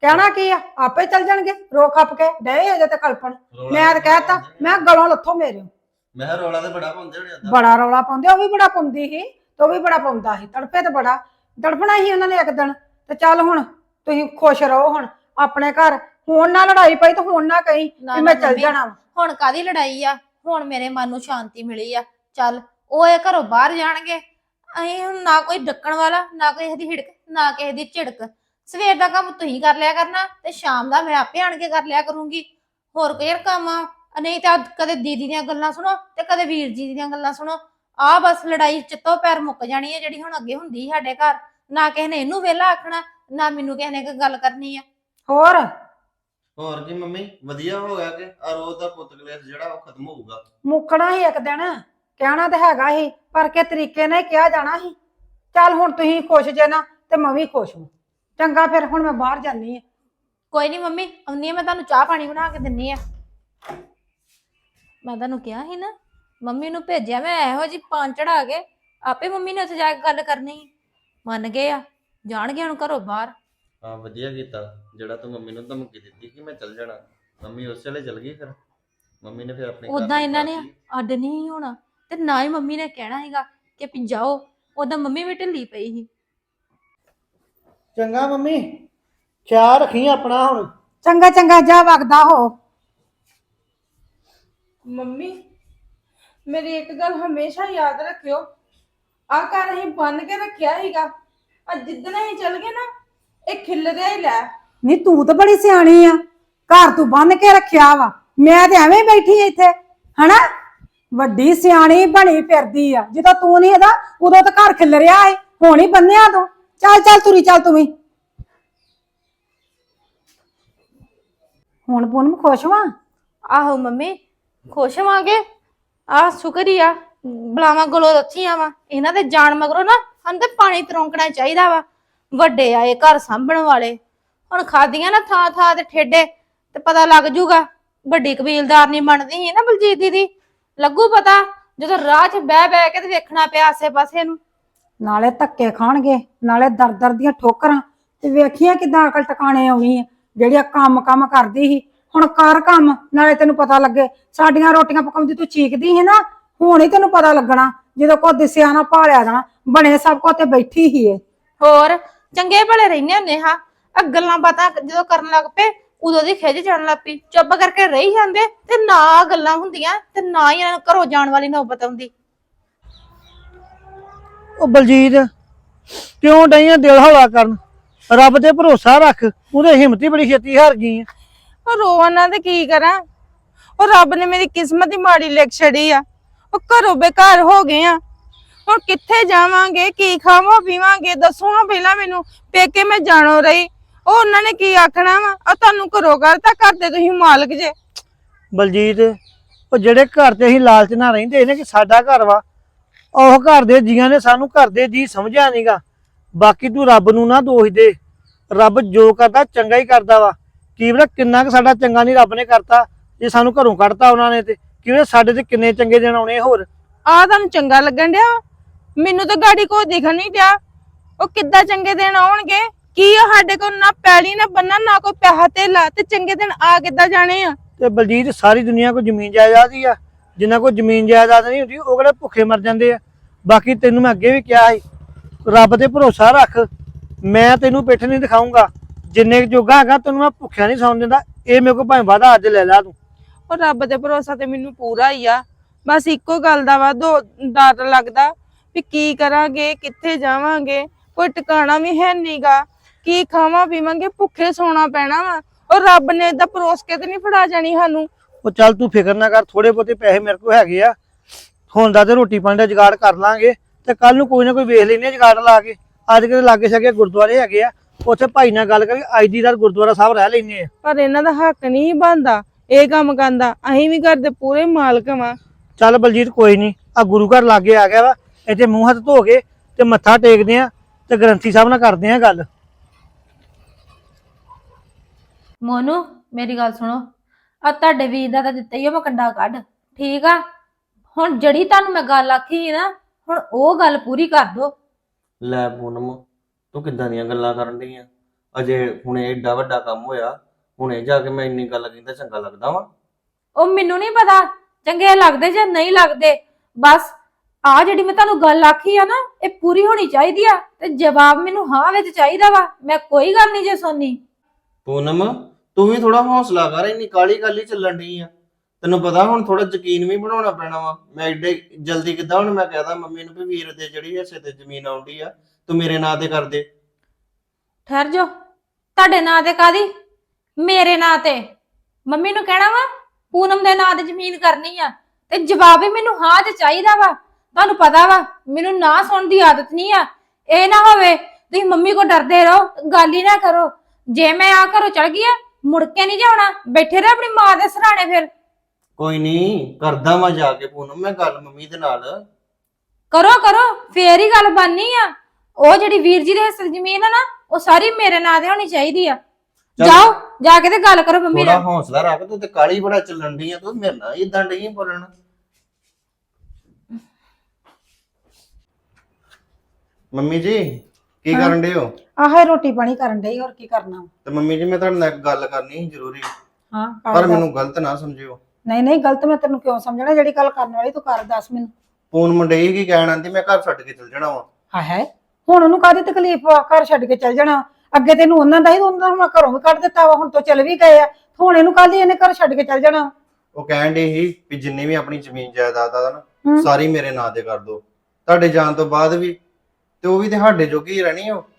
ਕਹਿਣਾ ਕੀ ਆ, ਆਪੇ ਚੱਲ ਜਾਣਗੇ ਰੋ ਖੱਪ ਕੇ ਡਏ ਅਜੇ ਤੇ ਕਲਪਣ।
ਰੌਲਾ
ਮੈਂ ਤਾਂ ਕਹਿਤਾ, ਮੈਂ ਗਲੋਂ ਲੱਥੋ ਮੇਰੇ।
ਮੈਂ ਕਿਹਾ ਰੌਲਾ ਤੇ ਬੜਾ ਪਾਉਂਦੇ ਹੋਣੇ ਓਦਾਂ।
ਬੜਾ ਰੌਲਾ ਪਾਉਂਦੇ, ਉਹ ਵੀ ਬੜਾ ਪਾਉਂਦੀ ਸੀ ਤੇ ਉਹ ਵੀ ਬੜਾ ਪਾਉਂਦਾ ਸੀ, ਤੜਪੇ ਤੇ ਬੜਾ ਤੜਪਣਾ ਸੀ ਉਹਨਾਂ ਨੇ ਇੱਕ ਦਿਨ। ਤੇ ਚੱਲ ਹੁਣ ਤੁਸੀਂ ਖੁਸ਼ ਰਹੋ ਹੁਣ ਆਪਣੇ ਘਰ, ਹੁਣ ਨਾ ਲੜਾਈ ਪਈ ਤੇ ਹੁਣ ਨਾ ਕਹੀਂ
ਨਾ,
ਕਿ ਮੈਂ
ਨਾ
ਚੱਲ
ਮੰਮੀ,
ਜਾਣਾ ਵਾ।
ਹੁਣ ਕਾਦੀ ਲੜਾਈ ਆ? ਹੁਣ ਮੇਰੇ ਮਨ ਨੂੰ ਸ਼ਾਂਤੀ ਮਿਲੀ ਆ। ਚੱਲ ਉਹ ਇਹ ਘਰੋਂ ਬਾਹਰ ਜਾਣਗੇ, ਅਸੀਂ ਹੁਣ ਨਾ ਕੋਈ ਡੱਕਣ ਵਾਲਾ, ਨਾ ਕੋਈ ਇਹਦੀ ਹਿੜਕ, ਨਾ ਕਿਸੇ ਦੀ ਝਿੜਕ। ਸਵੇਰ ਦਾ ਕੰਮ ਤੁਸੀਂ ਕਰ ਲਿਆ ਕਰਨਾ ਤੇ ਸ਼ਾਮ ਦਾ ਮੈਂ ਆਪੇ ਆਣ ਕੇ ਕਰ ਲਿਆ ਕਰੂੰਗੀ। ਹੋਰ ਕੋਈ ਕੰਮ ਆ? ਨਹੀਂ ਤਾਂ ਕਦੇ ਦੀਦੀ ਦੀਆਂ ਗੱਲਾਂ ਸੁਣੋ ਤੇ ਕਦੇ ਵੀਰ ਜੀ ਦੀਆਂ ਗੱਲਾਂ ਸੁਣੋ। ਆ ਬਸ ਲੜਾਈ ਚਿੱਤੋਂ ਪੈਰ ਮੁੱਕ ਜਾਣੀ ਹੈ ਜਿਹੜੀ ਹੁਣ ਅੱਗੇ ਹੁੰਦੀ ਸੀ ਸਾਡੇ ਘਰ। ਨਾ ਕਿਸੇ ਨੇ ਇਹਨੂੰ ਵਿਹਲਾ ਆਖਣਾ, ਨਾ ਮੈਨੂੰ ਕਿਸੇ ਨੇ ਕੋਈ ਗੱਲ ਕਰਨੀ ਆ।
ਹੋਰ
ਹੋਰ ਕੀ ਮੰਮੀ, ਵਧੀਆ ਹੋ ਗਿਆ ਕਿ ਆ ਰੋਜ਼ ਦਾ ਪੁੱਤ ਕਲੇਸ਼ ਜਿਹੜਾ ਉਹ ਖਤਮ ਹੋਊਗਾ।
ਮੁੱਕਣਾ ਹੀ ਇੱਕ ਦਿਨ, ਕਹਿਣਾ ਤਾਂ ਹੈਗਾ ਸੀ ਪਰ ਕਿ ਤਰੀਕੇ ਨਾਲ ਹੀ ਕਿਹਾ ਜਾਣਾ ਸੀ। ਚੱਲ ਹੁਣ ਤੁਸੀਂ ਖੁਸ਼ ਜੇ ਨਾ ਤੇ ਮੈਂ ਵੀ ਖੁਸ਼ ਹਾਂ। ਚੰਗਾ ਫਿਰ ਹੁਣ ਮੈਂ ਬਾਹਰ ਜਾਨੀ ਆ।
ਕੋਈ ਨਹੀਂ ਮੰਮੀ, ਆਉਂਦੀ ਆ ਮੈਂ ਤੁਹਾਨੂੰ ਚਾਹ ਪਾਣੀ ਬਣਾ ਕੇ ਦਿੰਨੀ ਆ। ਮੈਂ ਤੁਹਾਨੂੰ ਕਿਹਾ ਸੀ ਨਾ, ਮੰਮੀ ਨੂੰ ਭੇਜਿਆ ਮੈਂ ਇਹੋ ਜੀ ਪਾਣ ਚੜਾ ਕੇ, ਆਪੇ ਮੰਮੀ ਨੇ ਉੱਥੇ ਜਾ ਕੇ ਗੱਲ ਕਰਨੀ। ਮੰਨ ਗਏ ਆ, ਜਾਣਗੇ ਹੁਣ ਘਰੋਂ ਬਾਹਰ।
ਹਾਂ ਵਧੀਆ ਕੀਤਾ ਜਿਹੜਾ ਤੂੰ ਮੰਮੀ ਨੂੰ ਧਮਕੀ ਦਿੱਤੀ ਕਿ ਮੈਂ ਚੱਲ ਜਾਣਾ। ਮੰਮੀ ਉਸ ਵੇਲੇ ਚੱਲ ਗਈ, ਫਿਰ ਮੰਮੀ ਨੇ ਫਿਰ ਆਪਣੇ ਘਰ
ਉਦਾਂ
ਨੂੰ
ਇਹਨਾਂ ਨੇ
ਪਾਤੀ।
ਅੱਡ ਨਹੀਂ ਹੋਣਾ ਤੇ ਨਾ ਹੀ ਮੰਮੀ ਨੇ ਕਹਿਣਾ ਹੈਗਾ ਕਿ ਵੀ ਜਾਓ। ਉਦਾਂ ਮੰਮੀ ਵੀ ਢਿੱਲੀ ਪਈ ਸੀ।
ਚੰਗਾ ਮੰਮੀ, ਖਿਆਲ ਰੱਖੀ ਆਪਣਾ ਹੁਣ।
ਚੰਗਾ ਚੰਗਾ, ਜਾ ਵਗਦਾ ਹੋ।
ਮੰਮੀ ਮੇਰੀ ਇੱਕ ਗੱਲ ਹਮੇਸ਼ਾ ਯਾਦ ਰੱਖਿਓ, ਆ ਘਰ ਅਸੀਂ ਬੰਨ ਕੇ ਰੱਖਿਆ ਸੀਗਾ, ਅੱਜ ਜਿੱਦਣ ਅਸੀਂ ਚੱਲ ਗਏ ਨਾ ਇਹ ਖਿੱਲਰਿਆ ਹੀ ਲੈ।
ਨਹੀਂ ਤੂੰ ਤਾਂ ਬੜੀ ਸਿਆਣੀ ਆ, ਘਰ ਤੂੰ ਬੰਨ ਕੇ ਰੱਖਿਆ ਵਾ, ਮੈਂ ਤੇ ਐਵੇਂ ਬੈਠੀ ਇੱਥੇ ਹਨਾ। ਵੱਡੀ ਸਿਆਣੀ ਬਣੀ ਫਿਰਦੀ ਆ, ਜਦੋਂ ਤੂੰ ਨਹੀਂ ਇਹਦਾ ਉਦੋਂ ਤਾਂ ਘਰ ਖਿਲ ਰਿਹਾ ਏ, ਹੁਣ ਹੀ ਬੰਨਿਆ ਤੂੰ। ਚੱਲ ਚੱਲ ਤੁਰੀ ਚੱਲ ਤੂੰ ਵੀ। ਹੁਣ ਪੂਨਮ ਖੁਸ਼ ਵਾਂ?
ਆਹੋ ਮੰਮੀ, ਖੁਸ਼ ਹੋਵਾਂਗੇ। ਆ ਸ਼ੁਕਰ ਹੀ ਆ ਬਲਾਵਾਂ ਗਲੋਂ ਰੱਥੀਆਂ ਵਾ। ਇਹਨਾਂ ਦੇ ਜਾਣ ਮਗਰੋਂ ਨਾ ਸਾਨੂੰ ਤੇ ਪਾਣੀ ਤਰੋਂਕਣਾ ਚਾਹੀਦਾ ਵਾ। ਵੱਡੇ ਆਏ ਘਰ ਸਾਂਭਣ ਵਾਲੇ, ਹੁਣ ਖਾਦੀਆਂ ਨਾ ਥਾਂ ਥਾਂ ਤੇ ਠੇਡੇ ਤੇ ਪਤਾ ਲੱਗ ਜੂਗਾ। ਵੱਡੀ ਕਬੀਲਦਾਰ ਨਹੀਂ ਬਣਦੀ ਸੀ ਨਾ ਬਲਜੀਤ ਦੀਦੀ, ਲੱਗੂ ਪਤਾ ਜਦੋਂ ਰਾਹ 'ਚ ਬਹਿ ਬਹਿ ਕੇ ਤੇ ਵੇਖਣਾ ਪਿਆ ਆਸੇ ਪਾਸੇ ਨੂੰ।
ਨਾਲੇ ਧੱਕੇ ਖਾਣਗੇ, ਨਾਲੇ ਦਰ ਦਰ ਦੀਆਂ ਠੋਕਰਾਂ, ਤੇ ਵੇਖੀਆਂ ਕਿਦਾਂ ਅਕਲ ਟਿਕਾਣੇ ਆਉਣੀ ਆ। ਜਿਹੜੀਆਂ ਕੰਮ ਕਰਦੀ ਸੀ ਹੁਣ ਕਰ ਕੰਮ, ਨਾਲੇ ਤੈਨੂੰ ਪਤਾ ਲੱਗੇ। ਸਾਡੀਆਂ ਰੋਟੀਆਂ ਪਕਾਉਂਦੀ ਤੂੰ ਚੀਕਦੀ ਸੀ ਨਾ, ਹੁਣ ਹੀ ਤੈਨੂੰ ਪਤਾ ਲੱਗਣਾ ਜਦੋਂ ਕੋ ਦਿਸਿਆ ਨਾ ਭਾਲਿਆ ਜਾਣਾ। ਬਣੇ ਸਭ ਕੋ ਤੇ ਬੈਠੀ ਹੀ ਏ।
ਹੋਰ ਚੰਗੇ ਭਲੇ ਰਹਿੰਦੇ ਹੁੰਦੇ ਹਾਂ, ਆ ਗੱਲਾਂ ਬਾਤਾਂ ਜਦੋਂ ਕਰਨ ਲੱਗ ਪਏ ਉਦੋਂ ਦੀ ਖਿੱਚ ਚੜਨ ਲੱਗ ਪਈ। ਚੁੱਪ ਕਰਕੇ ਰਹੀ ਜਾਂਦੇ ਤੇ ਨਾ ਗੱਲਾਂ ਹੁੰਦੀਆਂ ਤੇ ਨਾ ਹੀ ਇਹਨਾਂ ਨੂੰ ਘਰੋਂ ਜਾਣ ਵਾਲੀ ਨੌਬਤ ਆਉਂਦੀ।
ਉਹ ਬਲਜੀਤ ਕਿਉਂ ਡਈਆਂ ਦਿਲ ਹੌਲਾ ਕਰਨ? ਰੱਬ ਤੇ ਭਰੋਸਾ ਰੱਖ, ਉਹਦੇ ਹਿੰਮਤ ਹੀ ਬੜੀ ਛੇਤੀ ਹਾਰ ਗਈ ਆ।
ਉਹ ਰੋਵਾਂ ਤੇ ਕੀ ਕਰਾਂ, ਉਹ ਰੱਬ ਨੇ ਮੇਰੀ ਕਿਸਮਤ ਹੀ ਮਾੜੀ ਲਿਖ ਛੜੀ ਆ। ਉਹ ਘਰੋਂ ਬੇਘਰ ਹੋ ਗਏ ਆ, ਹੁਣ ਕਿੱਥੇ ਜਾਵਾਂਗੇ, ਕੀ ਖਾਵਾਂ ਪੀਵਾਂਗੇ? ਦੱਸੋ ਹਾਂ ਪਹਿਲਾਂ ਮੈਨੂੰ, ਪੇਕੇ ਮੈਂ ਜਾਣੋ ਰਹੀ, ਉਹ ਉਹਨਾਂ ਨੇ ਕੀ ਆਖਣਾ ਵਾ? ਆ ਤੁਹਾਨੂੰ ਘਰੋਂ ਕਰਤਾ, ਘਰ ਦੇ ਤੁਸੀਂ ਮਾਲਕ ਜੇ।
ਬਲਜੀਤ ਉਹ ਜਿਹੜੇ ਘਰ ਤੇ ਅਸੀਂ ਲਾਲਚ ਨਾਲ ਰਹਿੰਦੇ ਨੇ ਕਿ ਸਾਡਾ ਘਰ ਵਾ, ਉਹ ਘਰ ਦੇ ਜੀਆਂ ਨੇ ਸਾਨੂੰ ਘਰ ਦੇ ਜੀ ਸਮਝਿਆ ਨਹੀਂਗਾ। ਬਾਕੀ ਤੂੰ ਰੱਬ ਨੂੰ ਨਾ ਦੋਸ਼ ਦੇ, ਰੱਬ ਜੋ ਕਰਦਾ ਚੰਗਾ ਹੀ ਕਰਦਾ ਵਾ। ਕੀ ਪਤਾ ਕਿੰਨਾ ਕੁ ਸਾਡਾ ਚੰਗਾ ਨਹੀਂ ਰੱਬ ਨੇ ਕਰਤਾ, ਜੇ ਸਾਨੂੰ ਘਰੋਂ ਕੱਢਤਾ ਉਹਨਾਂ ਨੇ ਤੇ ਕੀ ਪਤਾ ਸਾਡੇ ਤੇ ਕਿੰਨੇ ਚੰਗੇ ਦਿਨ ਆਉਣੇ ਹੋਰ।
ਆ ਤੁਹਾਨੂੰ ਚੰਗਾ ਲੱਗਣ ਡਿਆ? ਮੈਨੂੰ ਤਾਂ ਗਾੜੀ ਕੋਈ ਦਿਖਣ ਨਹੀਂ ਡਿਆ। ਉਹ ਕਿੱਦਾਂ ਚੰਗੇ ਦਿਨ ਆਉਣਗੇ? ਕੀ ਆ ਸਾਡੇ ਕੋਲ ਨਾ ਪੈਲੀ ਨਾ ਬੰਨਾ, ਨਾ ਕੋਈ ਪੈਸਾ ਧੇਲਾ, ਤੇ ਚੰਗੇ ਦਿਨ ਆ ਕਿੱਦਾਂ ਜਾਣੇ ਆ?
ਤੇ ਬਲਜੀਤ ਸਾਰੀ ਦੁਨੀਆ ਕੋਲ ਜ਼ਮੀਨ ਜਾਇਦਾਦ ਹੀ ਆ, ਜਿੰਨਾ ਕੋਲ ਜ਼ਮੀਨ ਜਾਇਦਾਦ ਨਹੀਂ ਹੁੰਦੀ ਉਹ ਕਿਹੜੇ ਭੁੱਖੇ ਮਰ ਜਾਂਦੇ ਆ। ਬਾਕੀ ਤੈਨੂੰ ਮੈਂ ਅੱਗੇ ਵੀ ਕਿਹਾ ਸੀ, ਰੱਬ ਤੇ ਭਰੋਸਾ ਰੱਖ, ਮੈਂ ਤੈਨੂੰ ਪਿੱਠ ਨਹੀਂ ਦਿਖਾਊਂਗਾ। ਜਿੰਨੇ ਜੋਗਾ ਹੈਗਾ ਤੈਨੂੰ ਮੈਂ ਭੁੱਖਿਆ ਨਹੀਂ ਸੌਣ ਦਿੰਦਾ। ਇਹ ਮੇਰੇ ਕੋਲ ਭਾਵੇਂ ਵਾਦਾ ਅੱਜ ਲੈ ਲਾ ਤੂੰ।
ਉਹ ਰੱਬ ਤੇ ਭਰੋਸਾ ਤੇ ਮੈਨੂੰ ਪੂਰਾ ਹੀ ਆ, ਬਸ ਇੱਕੋ ਗੱਲ ਦਾ ਵਾ ਡਰ ਲੱਗਦਾ ਵੀ ਕੀ ਕਰਾਂਗੇ, ਕਿੱਥੇ ਜਾਵਾਂਗੇ, ਕੋਈ ਟਿਕਾਣਾ ਵੀ ਹੈ ਨਹੀਂਗਾ। ਕੀ ਖਾਵਾਂ ਪੀਵਾਂਗੇ, ਭੁੱਖੇ ਸੌਣਾ ਪੈਣਾ ਵਾ। ਉਹ ਰੱਬ ਨੇ ਏਦਾਂ ਪਰੋਸ ਕੇ ਤੇ ਨਹੀਂ ਫੜਾ ਜਾਣੀ ਸਾਨੂੰ।
ਉਹ ਚੱਲ ਤੂੰ ਫਿਕਰ ਨਾ ਕਰ, ਥੋੜੇ ਬਹੁਤੇ ਪੈਸੇ ਮੇਰੇ ਕੋਲ ਹੈਗੇ ਆ, ਹੁਣ ਦਾ ਤੇ ਰੋਟੀ ਪਾਣੀ ਦਾ ਜੁਗਾੜ ਕਰ ਲਾਂਗੇ ਤੇ ਕੱਲ ਨੂੰ ਕੋਈ ਨਾ ਕੋਈ ਵੇਖ ਲੈਨੇ ਜੁਗਾੜ ਲਾ ਕੇ। ਅੱਜ ਕਿਤੇ ਲਾਗੇ ਛਾਗੇ ਗੁਰਦੁਆਰੇ ਹੈਗੇ ਆ, ਉੱਥੇ ਭਾਈ ਨਾਲ ਗੱਲ ਕਰਕੇ ਅੱਜ ਦੀ ਰਾਤ ਗੁਰਦੁਆਰਾ ਸਾਹਿਬ ਰਹਿ ਲੈਨੇ ਆ।
ਪਰ ਇਹਨਾਂ ਦਾ ਹੱਕ ਨਹੀਂ ਬਣਦਾ ਇਹ ਕੰਮ ਕਰਦਾ, ਅਸੀਂ ਵੀ ਘਰ ਦੇ ਪੂਰੇ ਮਾਲਕ ਵਾਂ।
ਚੱਲ ਬਲਜੀਤ ਕੋਈ ਨਹੀਂ, ਆ ਗੁਰੂ ਘਰ ਲਾਗੇ ਆ ਗਿਆ ਵਾ, ਇੱਥੇ ਮੂੰਹ ਹੱਥ ਧੋ ਕੇ ਤੇ ਮੱਥਾ ਟੇਕਦੇ ਆ ਤੇ ਗ੍ਰੰਥੀ ਸਾਹਿਬ ਨਾਲ ਕਰਦੇ ਆ ਗੱਲ।
ਮੋਨੂ ਮੇਰੀ ਗੱਲ ਸੁਣੋ, ਆ ਤੁਹਾਡੇ ਵੀਰ ਦਾ ਤਾਂ ਦਿੱਤਾ ਹੀ ਆ ਮੈਂ ਕੰਡਾ ਕੱਢ, ਠੀਕ ਆ? ਹੁਣ ਜਿਹੜੀ ਤੁਹਾਨੂੰ ਮੈਂ ਗੱਲ ਆਖੀ ਸੀ ਨਾ, ਹੁਣ ਉਹ ਗੱਲ ਪੂਰੀ ਕਰ ਦੋ।
ਲੈ ਪੂਨਮ, ਤੂੰ ਕਿੱਦਾਂ ਦੀਆਂ ਗੱਲਾਂ ਕਰਨ ਡਈ ਆ? ਅਜੇ ਹੁਣੇ ਏਡਾ ਵੱਡਾ ਕੰਮ ਹੋਇਆ, ਹੁਣੇ ਜਾ ਕੇ ਮੈਂ ਇੰਨੀ ਗੱਲ ਕਹਿੰਦਾ ਚੰਗਾ ਲੱਗਦਾ ਵਾ?
ਉਹ ਮੈਨੂੰ ਨਹੀਂ ਪਤਾ ਚੰਗੇ ਲੱਗਦੇ ਜਾਂ ਨਹੀਂ ਲੱਗਦੇ, ਬਸ ਆ ਜਿਹੜੀ ਮੈਂ ਤੁਹਾਨੂੰ ਗੱਲ ਆਖੀ ਆ ਨਾ ਇਹ ਪੂਰੀ ਹੋਣੀ ਚਾਹੀਦੀ ਆ ਤੇ ਜਵਾਬ ਮੈਨੂੰ ਹਾਂ ਵਿੱਚ ਚਾਹੀਦਾ ਵਾ। ਮੈਂ ਕੋਈ ਗੱਲ ਨਹੀਂ ਜੇ ਸੁਣਨੀ।
ਪੂਨਮ ਤੂੰ ਵੀ ਥੋੜਾ ਹੌਸਲਾ ਕਰ, ਇੰਨੀ ਕਾਲੀ ਕਾਲੀ ਚੱਲਣ ਡਈ ਆ। ਤੈਨੂੰ ਪਤਾ ਹੁਣ ਥੋੜਾ ਯਕੀਨ ਵੀ ਬਣਾਉਣਾ ਪੈਣਾ ਵਾ। ਮੈਂ ਏਡੇ ਜਲਦੀ ਕਿੱਦਾਂ ਹੁਣ ਮੈਂ ਕਹਦਾ ਮੰਮੀ ਨੂੰ ਵੀ ਵੀਰ ਦੇ ਜਿਹੜੀ ਹਿੱਸੇ ਤੇ ਜ਼ਮੀਨ ਆਉਂਦੀ ਆ ਤੂੰ ਮੇਰੇ ਨਾਂ ਤੇ ਕਰ ਦੇ।
ਠਹਿਰ ਜਾ, ਤੁਹਾਡੇ ਨਾਂ ਤੇ ਕਾਦੀ? ਮੇਰੇ ਨਾਂ ਤੇ। ਮੰਮੀ ਨੂੰ ਕਹਿਣਾ ਵਾ ਪੂਨਮ ਦੇ ਨਾਂ ਤੇ ਜ਼ਮੀਨ ਕਰਨੀ ਆ ਤੇ ਜਵਾਬ ਵੀ ਮੈਨੂੰ ਹਾਂ ਚ ਚਾਹੀਦਾ ਵਾ। ਤੁਹਾਨੂੰ ਪਤਾ ਵਾ ਮੈਨੂੰ ਨਾ ਸੁਣਨ ਦੀ ਆਦਤ ਨਹੀਂ ਆ। ਇਹ ਨਾ ਹੋਵੇ ਤੁਸੀਂ ਮੰਮੀ ਕੋ ਡਰਦੇ ਰਹੋ, ਗੱਲ ਹੀ ਨਾ ਕਰੋ। ਜੇ ਮੈਂ ਆ ਘਰੋਂ ਚੜ ਗਈ ਆ ਮੁੜ ਕੇ ਨਹੀਂ ਜਾਣਾ, ਬੈਠੇ ਰਹੋ ਆਪਣੀ ਮਾਂ ਦੇ ਸਰਾਣੇ। ਫਿਰ
ਕੋਈ ਨਹੀਂ ਕਰਦਾ ਮੈਂ ਜਾ ਕੇ ਪੂਨਮ ਮੈਂ ਗੱਲ ਮੰਮੀ ਦੇ ਨਾਲ।
ਕਰੋ ਕਰੋ ਫੇਰ ਹੀ ਗੱਲ ਬਣਨੀ ਆ। ਉਹ ਜਿਹੜੀ ਵੀਰ ਜੀ ਦੇ ਹਿੱਸੇ ਦੀ ਜ਼ਮੀਨ ਆ ਨਾ ਉਹ ਸਾਰੀ ਮੇਰੇ ਨਾਂ ਤੇ ਹੋਣੀ ਚਾਹੀਦੀ ਆ।
ਚੱਲ।
ਜਾਓ ਜਾ ਕੇ ਤੇ ਗੱਲ ਕਰੋ ਮੰਮੀ
ਥੋੜਾ
ਨਾਲ।
ਹੌਸਲਾ ਰੱਖ, ਤੂੰ ਤੇ ਕਾਲੀ ਬੜਾ ਚੱਲਣ ਡਈ ਆ, ਤੂੰ ਮੇਰੇ ਨਾਲ ਇਦਾਂ ਡਈ ਬੋਲਣ। ਮੰਮੀ ਜੀ ਕੀ ਕਰਨ ਡਏ ਹੋ?
ਆਹੇ ਰੋਟੀ ਪਾਣੀ ਕਰਨ ਡਈ, ਹੋਰ ਕੀ ਕਰਨਾ।
ਤੇ ਮੰਮੀ ਜੀ ਮੈਂ ਤੁਹਾਡੇ ਨਾਲ ਇੱਕ ਗੱਲ ਕਰਨੀ ਸੀ ਜ਼ਰੂਰੀ,
ਹਾਂ
ਪਰ ਮੈਨੂੰ ਗਲਤ ਨਾ ਸਮਝਿਓ।
ਨਹੀਂ ਨਹੀਂ ਗਲਤ ਮੈਂ ਤੈਨੂੰ ਕਿਉਂ ਸਮਝਣਾ, ਜਿਹੜੀ ਗੱਲ ਕਰਨ ਵਾਲੀ ਤੂੰ ਕਰ ਦੱਸ ਮੈਨੂੰ।
ਪੂਨ ਮੁੰਡੇ ਕੀ ਕਹਿਣ ਆਂਦੀ ਮੈਂ ਘਰ ਛੱਡ ਕੇ ਚਲ ਜਾਣਾ ਵਾ।
ਹਾਏ ਹੁਣ ਉਹਨੂੰ ਕਾਹਦੀ ਤਕਲੀਫ ਆ ਘਰ ਛੱਡ ਕੇ ਚੱਲ ਜਾਣਾ? ਅੱਗੇ ਤੈਨੂੰ ਉਹਨਾਂ ਦਾ ਹੀ, ਉਹਨਾਂ ਨੂੰ ਘਰੋਂ ਵੀ ਕੱਢ ਦਿੱਤਾ ਵਾ, ਹੁਣ ਤੋਂ ਚਲ ਵੀ ਗਏ ਆ, ਹੁਣ ਇਹਨੂੰ ਕਾਹਦੀ ਇਹਨੇ ਘਰ ਛੱਡ ਕੇ ਚੱਲ ਜਾਣਾ?
ਉਹ ਕਹਿਣ ਡਈ ਸੀ ਵੀ ਜਿੰਨੀ ਵੀ ਆਪਣੀ ਜ਼ਮੀਨ ਜਾਇਦਾਦ ਆ ਨਾ
ਹੂੰ।
ਸਾਰੀ ਮੇਰੇ ਨਾਂ ਤੇ ਕਰ ਦੋ, ਤੁਹਾਡੇ ਜਾਣ ਤੋਂ ਬਾਅਦ ਵੀ, ਤੇ ਉਹ ਵੀ ਤੇ ਸਾਡੇ ਜੋਗੀ ਹੀ ਰਹਿਣੀ ਉਹ।